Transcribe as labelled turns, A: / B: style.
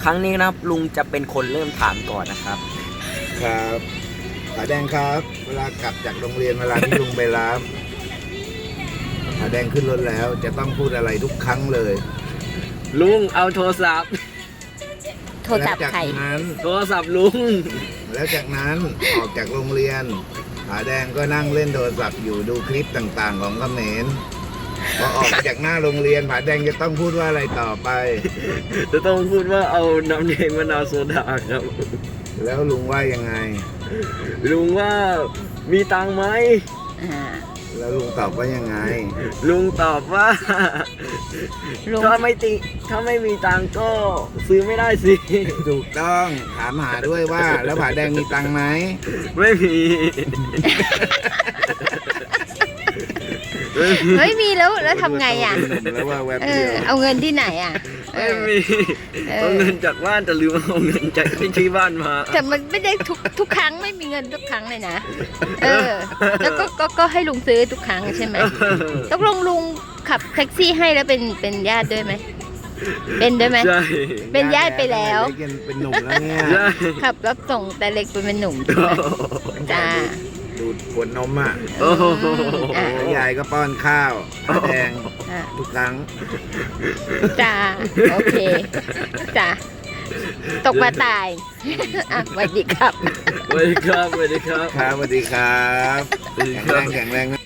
A: รั้งนี้นะครับลุงจะเป็นคนเริ่มถามก่อนนะครับ
B: ครับผาแดงครับ เวลากลับจากโรงเรียนเวลาที่ลุงไปรับผาแดงขึ้นรถแล้วจะต้องพูดอะไรทุกครั้งเลย
A: ลุงเอาโทรศัพท์
C: โทรศัพท์
B: แล้วจาก
C: ใคร
B: นั้น
A: โทรศัพท์ลุง
B: แล้วจากนั้นออกจากโรงเรียนผาแดงก็นั่งเล่นโทรศัพท์อยู่ดูคลิปต่างๆ ของเขมรพอออกจากหน้าโรงเรียนผาแดงจะต้องพูดว่าอะไรต่อไป
A: จะต้องพูดว่าเอาน้ำแดงมะนาวโซดาครับ
B: แล้วลุงว่ายังไง
A: ลุงว่ามีตังค์ไหม
C: อ่า
B: แล้วลุงตอบว่ายังไง
A: ลุงตอบว่า
C: ลุง
A: ถ้าไม่มีตังค์ก็ซื้อไม่ได้สิ
B: ถูกต้องถามหาด้วยว่า แล้วผาแดงมีตังค์ไหม
A: ไม่มี
C: ไม่มีแล้วทำไงอ่ะ
B: แล้วว่าแวบ
C: เอ
B: เดี
C: อ
B: ยว
C: เอาเงินที่ไหนอ่ะเอ
A: ไม่
C: อ
A: มี
C: เออ
A: เอาเงินจากบ้านแต่ลืมเอาเงินจากที่บ้านมา
C: แต่มันไม่ได้ทุกครั้งไม่มีเงินทุกครั้งเลยนะ เออ แล้วก็ให้ลุงซื้อทุกครั้งใช่ไหมต้องลุงขับแท็กซี่ให้แล้วเป็นญาติด้วยไหมเป็นด้วยไหม
A: ใช่
C: เป็นญาติไปแล้ว
B: เป็นหนุ่มแล้วเนี่ย
A: ใช่
C: ขับรับส่งแต่เล็กเป็นหนุ่มใช่ไหมจ้า
B: ดูดขวดนมอ่ะ
A: โอ้โห
C: อ่ะ
B: แล้วยายก็ป้อนข้าวผาแดง
C: อ่ะ
B: ทุกครั้ง
C: จ้าโอเคจ้าตกปลาตายอ่ะสวัสดีครับ
A: สวัสดีครับสวัสดีครับ
B: ครับสวัสดีครับ
A: สวัสดี
B: แข็ง
A: ค
B: แร
A: รับ
B: งแข็งแรง